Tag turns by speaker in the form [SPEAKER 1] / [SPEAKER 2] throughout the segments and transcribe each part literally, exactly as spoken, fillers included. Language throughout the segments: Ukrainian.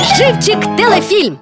[SPEAKER 1] Живчик телефільм.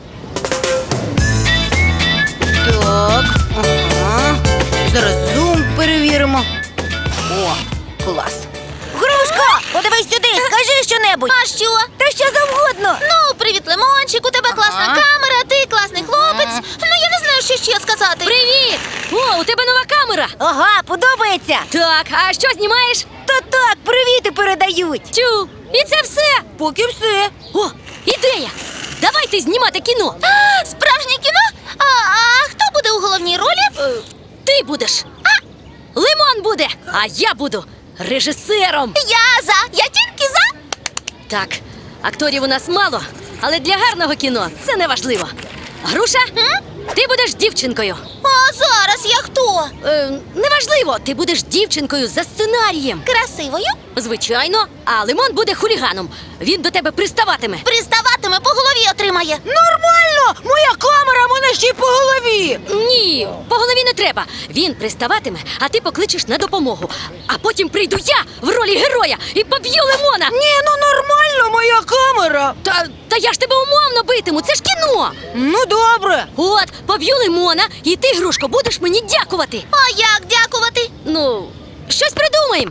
[SPEAKER 2] Так, ага. Зараз зум перевіримо. О, клас. Грушко, подивись сюди, скажи щонебудь.
[SPEAKER 3] А що?
[SPEAKER 2] Та що завгодно.
[SPEAKER 3] Ну, привіт, Лимончик, у тебе класна
[SPEAKER 2] Ага.
[SPEAKER 3] камера, ти класний хлопець.
[SPEAKER 2] Ага.
[SPEAKER 3] Ну, я не знаю, що ще сказати.
[SPEAKER 1] Привіт! О, у тебе нова камера.
[SPEAKER 2] Ага, подобається.
[SPEAKER 1] Так, а що знімаєш?
[SPEAKER 2] Та так, привіти передають.
[SPEAKER 1] Тю, і це все.
[SPEAKER 2] Поки все.
[SPEAKER 1] О, ідея! Давайте знімати кіно.
[SPEAKER 3] А, справжнє кіно? А, а хто буде у головній ролі?
[SPEAKER 1] Е, ти будеш. А? Лимон буде, а я буду режисером.
[SPEAKER 3] Я за, я тільки за.
[SPEAKER 1] Так, акторів у нас мало, але для гарного кіно це не важливо. Груша,
[SPEAKER 3] М?
[SPEAKER 1] ти будеш дівчинкою.
[SPEAKER 3] А зараз я хто?
[SPEAKER 1] Е, неважливо, ти будеш дівчинкою за сценарієм.
[SPEAKER 3] Красивою?
[SPEAKER 1] Звичайно, а Лимон буде хуліганом. Він до тебе приставатиме.
[SPEAKER 3] Приставатиме, по голові отримає.
[SPEAKER 2] Нормально! Моя камера мене ще й по голові.
[SPEAKER 1] Ні, по голові не треба. Він приставатиме, а ти покличеш на допомогу. А потім прийду я в ролі героя і поб'ю Лимона.
[SPEAKER 2] Ні, ну нормально, моя камера.
[SPEAKER 1] Та, та я ж тебе умовно битиму, це ж кіно.
[SPEAKER 2] Ну добре.
[SPEAKER 1] От, поб'ю Лимона, і ти, Грушко, будеш мені дякувати.
[SPEAKER 3] А як дякувати?
[SPEAKER 1] Ну, щось придумаємо.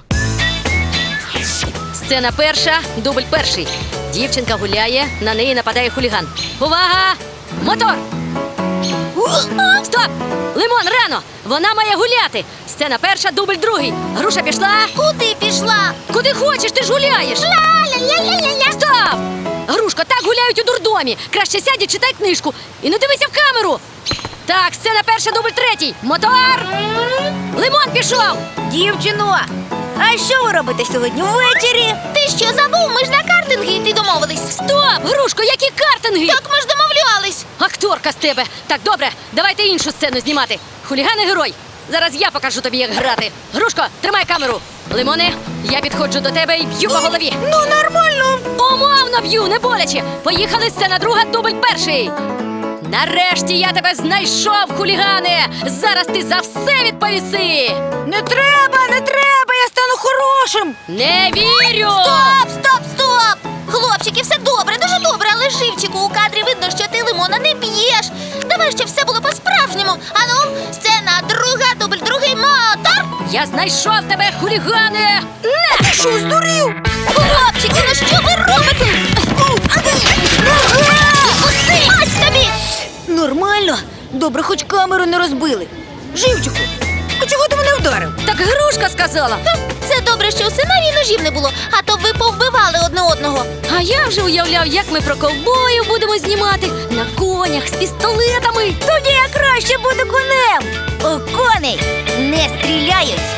[SPEAKER 1] Сцена перша, дубль перший. Дівчинка гуляє, на неї нападає хуліган. Увага! Мотор! Стоп! Лимон, рано! Вона має гуляти! Сцена перша, дубль другий. Груша пішла.
[SPEAKER 3] Куди пішла?
[SPEAKER 1] Куди хочеш, ти ж гуляєш!
[SPEAKER 3] Ля-ля-ля-ля-ля.
[SPEAKER 1] Стоп! Грушко, так гуляють у дурдомі. Краще сядь і читай книжку. І не дивися в камеру. Так, сцена перша, дубль третій. Мотор! Лимон пішов!
[SPEAKER 2] Дівчино, а що ви робите сьогодні ввечері?
[SPEAKER 3] Ти що забув? Ми ж на картинги йти домовились.
[SPEAKER 1] Стоп! Грушко, які картинги!
[SPEAKER 3] Так ми ж домовлялись.
[SPEAKER 1] Акторка з тебе! Так, добре, давайте іншу сцену знімати. Хуліган і герой. Зараз я покажу тобі, як грати. Грушко, тримай камеру. Лимоне, я підходжу до тебе і б'ю по голові.
[SPEAKER 2] Ну нормально.
[SPEAKER 1] Умовно б'ю, не боляче. Поїхали, сцена друга, дубль перший. Нарешті я тебе знайшов, хулігане. Зараз ти за все відповіси.
[SPEAKER 2] Не треба, не треба, я стану хорошим.
[SPEAKER 1] Не вірю.
[SPEAKER 3] Стоп, стоп, стоп! Хлопчики, все добре, дуже добре, але живчику у кадрі видно, що ти Лимона не б'єш. Давай, щоб все було по-справжньому. Ану, сцена друга, дубль другий, мотор!
[SPEAKER 1] Я знайшов тебе, хулігане. Не!
[SPEAKER 2] Ти що, здурів?
[SPEAKER 3] Хлопчики, ну що ви робите? Пусти! Ось тобі!
[SPEAKER 2] Нормально. Добре, хоч камеру не розбили. Живчику, а чого ти мене вдарив?
[SPEAKER 1] Так Грушка сказала.
[SPEAKER 3] Це добре, що у сценарії ножів не було, а то ви повбивали одне одного.
[SPEAKER 1] А я вже уявляв, як ми про ковбоїв будемо знімати на конях з пістолетами.
[SPEAKER 2] Тоді я краще буду конем. У коней не стріляють.